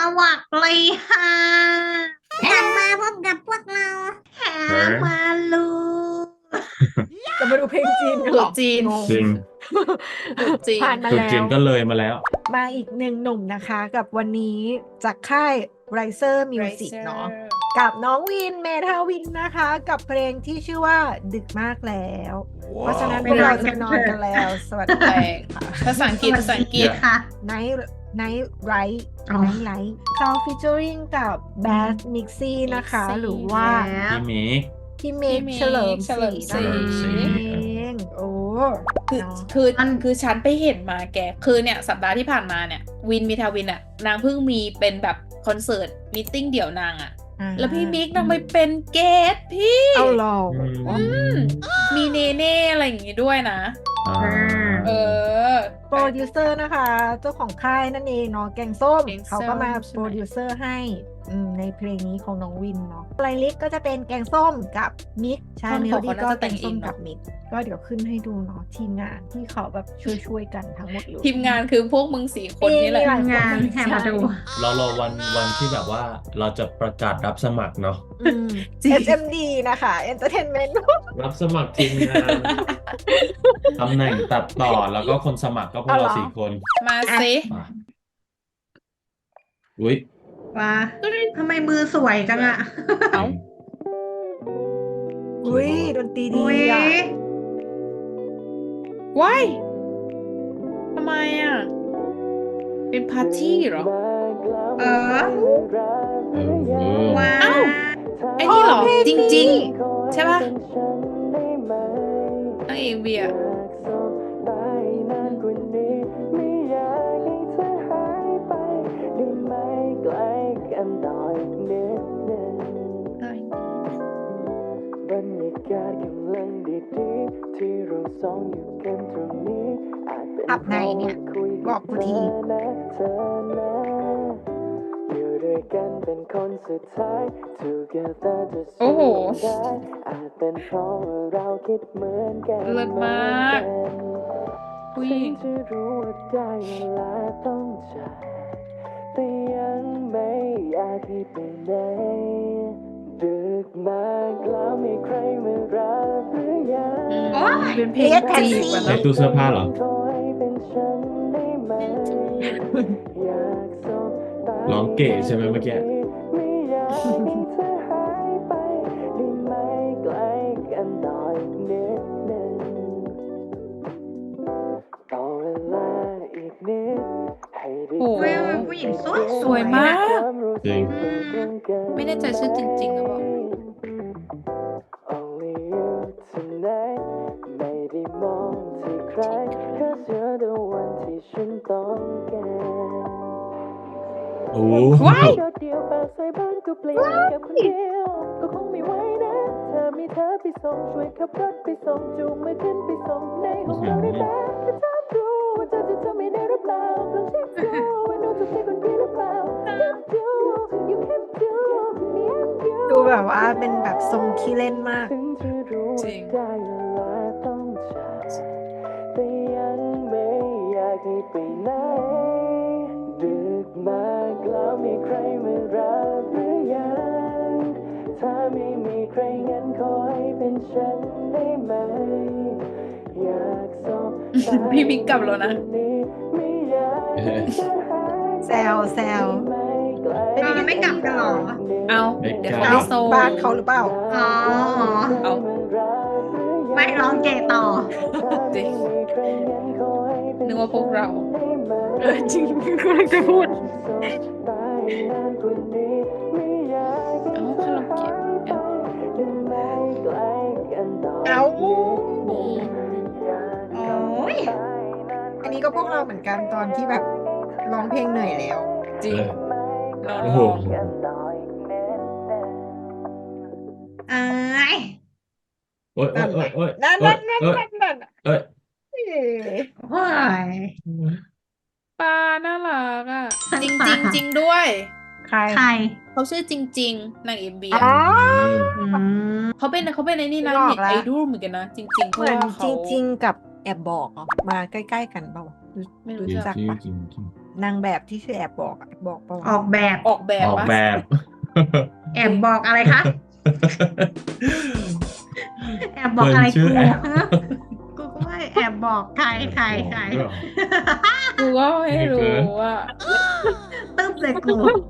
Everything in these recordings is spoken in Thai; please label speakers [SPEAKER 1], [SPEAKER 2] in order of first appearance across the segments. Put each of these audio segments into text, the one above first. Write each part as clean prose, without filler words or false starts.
[SPEAKER 1] วัสดีค่ะ
[SPEAKER 2] กลับมาพบกับพวกเรา
[SPEAKER 1] แฮมาลู
[SPEAKER 3] จะมาดูเพลงจีนกัน
[SPEAKER 4] ต
[SPEAKER 3] เห
[SPEAKER 4] รุ
[SPEAKER 3] ร
[SPEAKER 4] ษ
[SPEAKER 3] อ
[SPEAKER 4] จีน
[SPEAKER 3] งง
[SPEAKER 5] จริง
[SPEAKER 4] ตรุษจีน
[SPEAKER 3] ผ่านมา
[SPEAKER 5] จุด
[SPEAKER 3] แล้
[SPEAKER 5] จีน
[SPEAKER 3] ว
[SPEAKER 5] ก็เลยมาแล้ว
[SPEAKER 3] มาอีกหนึ่งหนุ่มนะคะ กับวันนี้จากค่าย Riser Music เนาะกับน้องวินเมทาวินนะคะ กับเพลงที่ชื่อว่าดึกมากแล้ว เพราะฉะนั้นพวกเราจะนอนกันแล้ว สวัสดี
[SPEAKER 4] แปลกค่ะภาษาอังกฤษภาษาอังกฤษ
[SPEAKER 1] ค่ะ
[SPEAKER 3] Night Right
[SPEAKER 1] อ๋อ
[SPEAKER 3] Night Light เขา featuring กับ Bass Mixie นะคะ
[SPEAKER 4] Mixie
[SPEAKER 3] หรือว่า
[SPEAKER 1] แล้ว
[SPEAKER 5] พี่มิก
[SPEAKER 3] พี่เมก
[SPEAKER 4] พี่เมฆ
[SPEAKER 3] เฉลิม
[SPEAKER 4] เฉลิมศรี
[SPEAKER 3] นั่นเองโอ้
[SPEAKER 4] คือ
[SPEAKER 3] เนาะ
[SPEAKER 4] คือฉันไปเห็นมาแก คือเนี่ยสัปดาห์ที่ผ่านมาเนี่ย วินมีทาวินอ่ะ นางเพิ่งมีเป็นแบบคอนเสิร์ตมีตติ้งเดี่ยวนางอ่ะ แล้วพี่มิกนางไปเป็นเกสพี่
[SPEAKER 3] เอาหรอ
[SPEAKER 4] มีเนเน่อะไรอย่างงี้ด้วยนะ เออ
[SPEAKER 3] โปรดิวเซอร์นะคะ เจ้าของค่ายนั่นเองเนาะแกงส้ม
[SPEAKER 4] แกงส้ม
[SPEAKER 3] เขาก็มา
[SPEAKER 4] ใช่ไหม
[SPEAKER 3] โปรดิวเซอร์ให้ในเพลงนี้ของน้องวินเนาะไลลิกก็จะเป็นแกงส้มกับมิกใช่
[SPEAKER 4] ท่อน
[SPEAKER 3] เม
[SPEAKER 4] ข
[SPEAKER 3] โล
[SPEAKER 4] อง
[SPEAKER 3] ดี้
[SPEAKER 4] เขา
[SPEAKER 3] ก็
[SPEAKER 4] น่าจะ
[SPEAKER 3] แก
[SPEAKER 4] แต่
[SPEAKER 3] ง
[SPEAKER 4] งเอ
[SPEAKER 3] ส้
[SPEAKER 4] ง
[SPEAKER 3] ม
[SPEAKER 4] เนอะ
[SPEAKER 3] กับมิกก็เดี๋ยวขึ้นให้ดูเนาะทีมงานที่เขาแบบช่วยกันทั้งหมดเลย
[SPEAKER 4] ทีมงานคือพวกมึงสี่คนนี่แหละ
[SPEAKER 3] มีหลาย
[SPEAKER 1] งานแฮมาดู
[SPEAKER 5] รอวันที่แบบว่าเราจะประกาศรับสมัครเนาะ
[SPEAKER 3] อืม
[SPEAKER 4] จริง
[SPEAKER 3] SMD นะคะ Entertainment
[SPEAKER 5] รับสมัครทีมงาน ตำแหน่งตัดต่อแล้วก็คนสมัครก็พวก
[SPEAKER 3] เอาเหร
[SPEAKER 5] เรา
[SPEAKER 3] อ
[SPEAKER 5] สี่คน
[SPEAKER 4] มาสิ
[SPEAKER 5] มาอุ้ย
[SPEAKER 1] ว้าทำไมมือสวยจังอะ
[SPEAKER 4] เอ้า
[SPEAKER 3] อุ้ยดนตรีดี
[SPEAKER 1] อุ้ย
[SPEAKER 3] อ่ะ
[SPEAKER 4] ว้ายทำไมอ่ะ เป็นปาร์ตี้เหรอ
[SPEAKER 1] เออ
[SPEAKER 5] ว้า
[SPEAKER 1] ว้า
[SPEAKER 4] เอ้า ไอ้นี่เหรอ จริง ๆ ใช่ป่ะนางเอกเบียร์
[SPEAKER 6] บรรยากาศกำลังดีๆที่เราสองอยู่กันตรงนี้อาจเป็น
[SPEAKER 3] อับไหนเนี่ย
[SPEAKER 6] พราะว่าคุย
[SPEAKER 3] บอกกูที
[SPEAKER 6] นะเธอนะอยู่ด้วยกันเป็นคนสุดท้าย together จะ
[SPEAKER 4] โอ้โห
[SPEAKER 6] สู้ได้อาจเป็นเพราะว่าเราคิดเหมือนกัน
[SPEAKER 4] เลิศมาก ผู้หญิง
[SPEAKER 6] ฉันจะรู้ว่าได้เวลาต้องจากแต่ยังไม่อยากให้ไปไหนดึกมากแล้วมีใครมารับหรือยัง
[SPEAKER 1] โอ๊ย
[SPEAKER 4] เป็นเพลง
[SPEAKER 3] เรียกแท็ก
[SPEAKER 4] จี
[SPEAKER 3] ซี่
[SPEAKER 4] บอะ
[SPEAKER 5] ใน
[SPEAKER 4] เนาะ
[SPEAKER 5] ตู้เสื้อผ้าเหรอ
[SPEAKER 6] ขอให้เป็นฉันได้ไหมอยากสบตา
[SPEAKER 5] ร้องเก๋ใช่ไหมเมื่อกี้
[SPEAKER 6] ไม่อยากให้เธอหายไปได้ไหมใกล้กันต่ออีกนิดนึงต่อเวลาอีกนิดให้ได้
[SPEAKER 4] โอ้โห
[SPEAKER 1] เว้ยผู้หญิงสวย
[SPEAKER 4] สวยมาก
[SPEAKER 5] จริง
[SPEAKER 4] ไม่แน่ใจชื่อจริงๆหรือเปล่า
[SPEAKER 6] Only you tonight ไม่ได้มองที่ใคร Cause you're the one ที่ฉันต้องการ
[SPEAKER 5] โอ้
[SPEAKER 4] ว้าย
[SPEAKER 6] โดดเดี่ยวปากใส่บ้านก็เปลี่ยนกับคนเดียว ก็คงไม่ไหวนะถ้ามีเธอไปส่งช่วยขับรถไปส่งจูงมือขึ้นไปส่งในห้องเราได้ไหมแค่ถามดูว่าเธอจะทำไม่ได้หรือเปล่าลองเช็คดูว่าดูจะใช่คนพี่หรือเปล่า Just do you can do me and you
[SPEAKER 3] ดูแบบว่าเป็นแบบทรงขี้เล่นมาก
[SPEAKER 6] ถึงจะรู้
[SPEAKER 4] จริ
[SPEAKER 6] ว่าง ได้เวลาต้องจากแต่ยังไม่อยากให้ไปไหนดึกมากแล้วมีใครมารับหรือยังถ้าไม่มีใครงั้นขอให้เป็นฉันได้ไหมอยากสบตา
[SPEAKER 4] พี่มิกกลับแล้วนะ
[SPEAKER 6] ไม่อยากให้เธอหาย
[SPEAKER 3] แซวแซว
[SPEAKER 1] เออไม่กลับกันเหรอ
[SPEAKER 4] เอา
[SPEAKER 5] ไม่
[SPEAKER 4] เดี๋ยว
[SPEAKER 5] กล้า
[SPEAKER 4] เขา
[SPEAKER 3] เอ้า
[SPEAKER 4] ไปโซ
[SPEAKER 3] บ้านเขาหรือเปล่า
[SPEAKER 1] อ๋อ
[SPEAKER 4] เอา
[SPEAKER 1] ไม่ร้องเกย์ต่อ
[SPEAKER 4] จริง นึกว่าพวกเรา
[SPEAKER 3] จริงกำลังจะพูด
[SPEAKER 4] เอ้าคาราโอเกะเอ้า
[SPEAKER 3] เอา
[SPEAKER 1] โอ้ย
[SPEAKER 3] อันนี้ก็พวกเราเหมือนกันตอนที่แบบร้องเพลงเหนื่อยแล้ว
[SPEAKER 4] จริงนอน
[SPEAKER 5] โอ้โห
[SPEAKER 1] เอ้ย
[SPEAKER 5] โอ้ยโอ้ยโอ้ยโอ้ย
[SPEAKER 3] นั่น
[SPEAKER 5] โอ้
[SPEAKER 3] นั่
[SPEAKER 5] ย
[SPEAKER 3] นนั่น
[SPEAKER 5] โอ้ย
[SPEAKER 3] นั่นนั่น
[SPEAKER 5] เอ้ย
[SPEAKER 3] เอ๊ะ
[SPEAKER 1] โอ้ย
[SPEAKER 4] ปลาน่ารักอ่ะ
[SPEAKER 1] ใช่
[SPEAKER 4] จริง
[SPEAKER 1] ปะ
[SPEAKER 4] จริงด้วย
[SPEAKER 3] ใคร
[SPEAKER 1] ใคร
[SPEAKER 4] เขาชื่อจริง ๆนางเอ็มบี
[SPEAKER 3] อ๋อ
[SPEAKER 1] อืม
[SPEAKER 4] เขาเป็นไอ้นี่นะ
[SPEAKER 3] นึกอ
[SPEAKER 4] เน็
[SPEAKER 3] อก
[SPEAKER 4] ต
[SPEAKER 3] ละ
[SPEAKER 4] ไอดอลเหมือนกันนะ จริงๆเพ
[SPEAKER 3] เห
[SPEAKER 4] ราะ
[SPEAKER 3] มือน
[SPEAKER 4] ว่า
[SPEAKER 3] จ
[SPEAKER 4] เขา
[SPEAKER 3] ริง ๆ กับแอบบอกเหรอมาใกล้ ๆ กันเปล่า
[SPEAKER 4] ไม่รู้
[SPEAKER 5] จริง
[SPEAKER 3] จัก
[SPEAKER 5] จริง
[SPEAKER 3] ปะ
[SPEAKER 5] จริงจริง
[SPEAKER 3] อนางแบบที่ชื่อแอบบอกบอกปะวะ
[SPEAKER 1] ออกแบบ
[SPEAKER 4] ออกแบบ
[SPEAKER 5] ออก
[SPEAKER 4] ปะ
[SPEAKER 5] แบบ
[SPEAKER 1] แอบบอกอะไรคะ แอบบอกอะไร
[SPEAKER 5] เพื่อนชื่
[SPEAKER 1] กู
[SPEAKER 5] อแอบ
[SPEAKER 1] กูก็ไม่แอบบอกใครใครใคร
[SPEAKER 5] ด้วยเหรอ
[SPEAKER 4] กูก็ไม่รู้
[SPEAKER 5] เกิน
[SPEAKER 4] ว่า
[SPEAKER 1] ตึ๊บเลยกู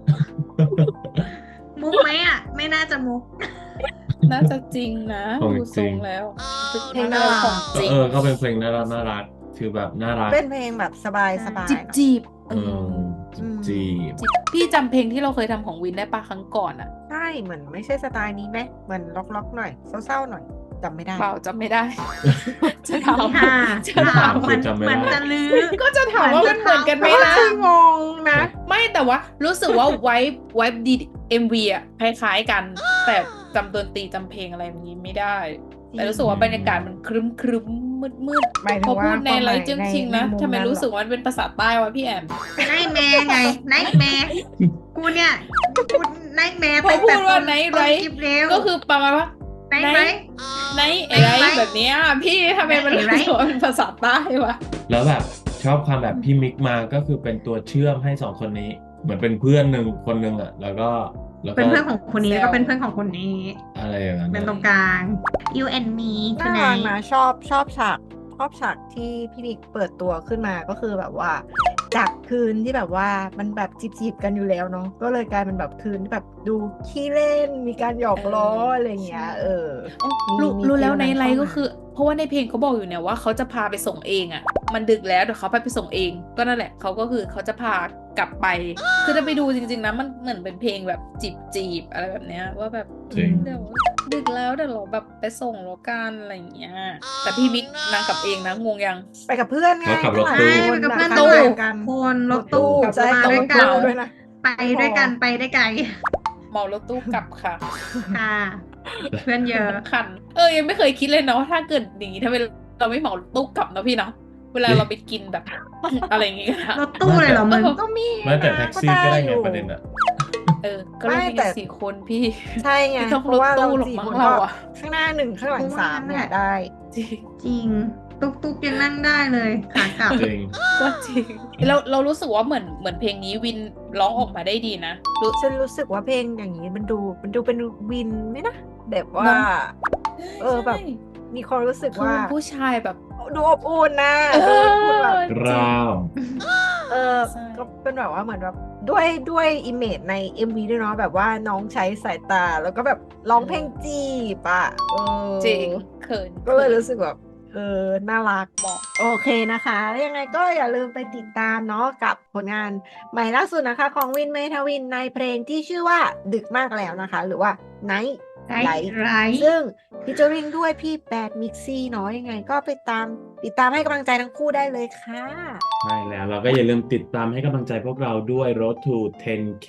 [SPEAKER 1] มุกไหมอ่ะ ไม่น่าจะมุก
[SPEAKER 4] น่าจะจริงนะ
[SPEAKER 5] ของ
[SPEAKER 4] ดู
[SPEAKER 5] จ
[SPEAKER 4] ท
[SPEAKER 5] ริ
[SPEAKER 4] รง งแล้ว
[SPEAKER 3] เพลงน่ารัก
[SPEAKER 4] ของจริง
[SPEAKER 5] ก็เป็นเพลงน่ารักคือแบบน่ารัก
[SPEAKER 3] เป็นเพลงแบบสบายๆ
[SPEAKER 1] ใช่
[SPEAKER 3] เนอะ
[SPEAKER 4] จีบ
[SPEAKER 5] เออจีบ
[SPEAKER 4] พี่จำเพลงที่เราเคยทำของวินได้ปะครั้งก่อนอะ
[SPEAKER 3] ใช่เหมือนไม่ใช่สไตล์นี้ไหมเหมือนล็อกๆหน่อยเศร้าๆหน่อยจำไม่ได้
[SPEAKER 4] เปล่าจำไม่ได้ จะถาม
[SPEAKER 1] ค่ะ
[SPEAKER 4] จะ
[SPEAKER 1] ถา
[SPEAKER 4] ถาม ม
[SPEAKER 1] มัน
[SPEAKER 5] จำไม่
[SPEAKER 1] มัน
[SPEAKER 5] ได้
[SPEAKER 1] จะลือ
[SPEAKER 4] ก็จะถามว่ามันเหมือนกันไหม
[SPEAKER 3] ก็
[SPEAKER 4] นะ
[SPEAKER 3] คืองงนะ
[SPEAKER 4] ไม่แต่ว่ารู้สึกว่าไวบ์ดี MV อ่ะคล้ายๆกัน แต่จำดนตรีจำเพลงอะไรแบบนี้ไม่ได้ แต่รู้สึกว่าบรรยากาศมันครึ้มครึ้มมืดมืด
[SPEAKER 3] หมายถึ
[SPEAKER 4] พอง
[SPEAKER 3] ว่า
[SPEAKER 4] พูดใน
[SPEAKER 3] ความห
[SPEAKER 4] ไล
[SPEAKER 3] มาย
[SPEAKER 4] ฟ์จึง
[SPEAKER 3] ใน
[SPEAKER 4] ชิงนะ
[SPEAKER 3] ในมุม
[SPEAKER 4] ทำไม
[SPEAKER 3] นั้น
[SPEAKER 4] รู้สึกว่ามันเป็นภาษาใต้วะพี่แอม
[SPEAKER 1] ไนท์แมร์ไงไนท์แมร์กูเนี่ยกูไนท์แมร์
[SPEAKER 4] พอพูดว่า night
[SPEAKER 1] ต้น
[SPEAKER 4] right
[SPEAKER 1] คลิปเร็ว
[SPEAKER 4] ก็คือประมาณว่า
[SPEAKER 1] ไนท์ไร
[SPEAKER 4] ในอะไร
[SPEAKER 1] Night
[SPEAKER 4] แบบเนี้ยพี่ทำไมมัน
[SPEAKER 1] Night
[SPEAKER 4] รู้สึกว่าเป็นภาษาใต้วะ
[SPEAKER 5] แล้วแบบชอบความแบบพี่มิกมาก็คือเป็นตัวเชื่อมให้สองคนนี้ เหมือนเป็นเพื่อนคนหนึ่งอ่ะ แล้วก็
[SPEAKER 1] เป็นเพื่อนของคนนี้
[SPEAKER 4] แซว
[SPEAKER 1] แล้วก็เป็นเพื่อนของคนนี้
[SPEAKER 5] อะไรอย่างนั้น
[SPEAKER 1] เป็นตรงกลาง you and me
[SPEAKER 3] น่า
[SPEAKER 1] tonight
[SPEAKER 3] รักนะชอบฉากที่พี่นิกเปิดตัวขึ้นมาก็คือแบบว่า จากคืนที่แบบว่ามันแบบจีบกันอยู่แล้วเนาะก็เลยกลายเป็นแบบคืนที่แบบดูขี้เล่นมีการหยอกล้ออะไรอย่างเงี้ย
[SPEAKER 4] รู้แล้วใน
[SPEAKER 3] ฟี
[SPEAKER 4] ไล
[SPEAKER 3] นั้น
[SPEAKER 4] ฟ์
[SPEAKER 3] เข้า
[SPEAKER 4] ก็
[SPEAKER 3] มา
[SPEAKER 4] คือ เพราะว่าในเพลงเขาบอกอยู่เนี่ยว่าเขาจะพาไปส่งเองอ่ะ มันดึกแล้วเดี๋ยวเขาไปส่งเอง ก็นั่นแหละเขาก็คือเขาจะพากลับไป คือถ้าไปดูจริงๆนะมันเหมือนเป็นเพลงแบบจีบอะไรแบบเนี้ยว่าแบบ
[SPEAKER 5] จริง
[SPEAKER 4] เดี๋ยวดึกแล้วเดี๋ยวเราแบบไปส่งแล้วกันอะไรอย่างเงี้ยแต่พี่มิกนางกลับเองนะงงยัง
[SPEAKER 3] ไปกับเพื่อนไง
[SPEAKER 5] แล้วขับรถ
[SPEAKER 3] ข้างห
[SPEAKER 5] ตู้
[SPEAKER 3] ลัง
[SPEAKER 1] ไปกับ
[SPEAKER 3] คน
[SPEAKER 1] เพื่อน
[SPEAKER 3] ข้างหลั
[SPEAKER 1] ตู้
[SPEAKER 3] งกัน
[SPEAKER 1] คนรถตู้
[SPEAKER 3] ใช่
[SPEAKER 1] มา
[SPEAKER 3] กับ
[SPEAKER 1] ด้
[SPEAKER 3] ร
[SPEAKER 1] วย
[SPEAKER 3] ถ
[SPEAKER 1] กัน
[SPEAKER 3] ตู้ด้วยนะ
[SPEAKER 1] ไปด้วยกันไปได้ไกล
[SPEAKER 4] เหมารถตู้กลับค่ะ
[SPEAKER 1] ค่ะ เพื่อนเยอะ
[SPEAKER 4] คันยังไม่เคยคิดเลยนะว่าถ้าเกิดอย่างนี้ถ้าเราไม่เหมาตู้กลับนะพี่เนาะเวลาเราไปกินแบบ อะไรอย่างงี้กันอะ
[SPEAKER 1] รถตู้เลยเหรอมึง
[SPEAKER 3] ก็มี
[SPEAKER 5] ไม่แต่แท็กซี่ก็ได้ไง
[SPEAKER 3] อยู่
[SPEAKER 5] ประเด็นอ่ะ
[SPEAKER 4] ก็เรา
[SPEAKER 3] ไม่
[SPEAKER 4] มี
[SPEAKER 3] แต่
[SPEAKER 4] กัน4 คนพี่
[SPEAKER 3] ใช่ไง
[SPEAKER 4] ไม่ต้อง
[SPEAKER 3] เพราะว่าเรา
[SPEAKER 4] รถตู้หรอก
[SPEAKER 3] สี่
[SPEAKER 4] มั้ง
[SPEAKER 3] คน
[SPEAKER 4] เรา
[SPEAKER 3] ก็
[SPEAKER 4] อะ
[SPEAKER 3] ข้างหน้า1ข้างหลัง3เนี่ยได้
[SPEAKER 4] จริง
[SPEAKER 1] จริง ตุ๊กยังนั่งได้เลยขากลับ
[SPEAKER 5] จริง
[SPEAKER 4] ก็จริงเรารู้สึกว่าเหมือนเพลงนี้วินร้องออกมาได้ดีนะรู้
[SPEAKER 3] ฉันรู้สึกว่าเพลงอย่างนี้มันดูเป็นวินไหมนะแบบว่า
[SPEAKER 4] เนอะ
[SPEAKER 3] แบบ
[SPEAKER 4] ใช่
[SPEAKER 3] มีความรู้สึก
[SPEAKER 4] คือ
[SPEAKER 3] ว่า
[SPEAKER 4] เป็นผู้ชายแบบ
[SPEAKER 3] ดูอบอุ่นนะ
[SPEAKER 4] เออ
[SPEAKER 3] ดูอบอุ่นแบบ
[SPEAKER 5] ราว
[SPEAKER 4] ใช่
[SPEAKER 3] ก็เป็นแบบว่าเหมือนแบบด้วยอิมเมจใน MV ด้วยเนาะแบบว่าน้องใช้สายตา แล้วก็แบบร้องเพลงจีบอ่ะ
[SPEAKER 4] จริงเขิน
[SPEAKER 3] ก็เลยรู้สึกแบบน่ารัก
[SPEAKER 4] เหมาะ
[SPEAKER 3] โอเคนะคะยังไงก็อย่าลืมไปติดตามเนาะกับผลงานใหม่ล่าสุดนะคะ ของวินเมทวินในเพลงที่ชื่อว่าดึกมากแล้วนะคะ หรือว่า Night
[SPEAKER 1] Night Right
[SPEAKER 3] ซึ่งพิจอริงด้วยพี่แบดมิกซี่เนาะยังไงก็ไปติดตามให้กำลังใจทั้งคู่ได้เลยค่ะ
[SPEAKER 5] ใช่แล้วเราก็อย่าลืมติดตามให้กำลังใจพวกเราด้วย Road to 10K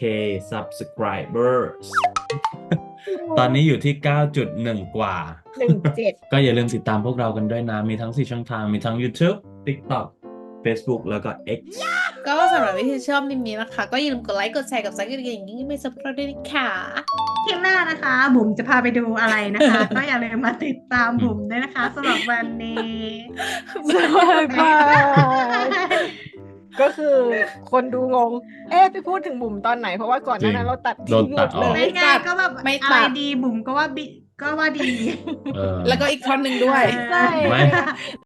[SPEAKER 5] subscribers ตอนนี้อยู่ที่ 9.1 กว่า
[SPEAKER 3] 17
[SPEAKER 5] ก็อย่าลืมติดตามพวกเรากันด้วยนะ มีทั้ง 4 ช่องทาง มีทั้ง YouTube TikTok Facebook แล้วก็ X
[SPEAKER 4] ก็สำหรับวิธีชอบนิมนี้นะคะ ก็อย่าลืมกดไลค์กดแชร์กับซักกันอย่างนี้ไม่ซับสไครต์ด้วยนะคะ
[SPEAKER 1] เที่ยงหน้านะคะ บุ๋มจะพาไปดูอะไรนะคะ ก็อย่าลืมมาติดตามบุ๋มด้วยนะคะสำหรับวันนี้
[SPEAKER 3] บายก็คือคนดูงง ไปพูดถึงบุ๋มตอนไหน เพราะว่าก่อนหน้านั้นเราตัด
[SPEAKER 5] โดนตัดออก
[SPEAKER 1] ไม่ไงก็แบบ
[SPEAKER 4] ไม่
[SPEAKER 1] อะไร
[SPEAKER 4] ตัด
[SPEAKER 1] ดีบุ๋มก็ว่าดี
[SPEAKER 5] เออ
[SPEAKER 4] แล้วก็อีกท่อนหนึ่งด้วย
[SPEAKER 3] ใช่
[SPEAKER 5] ไม่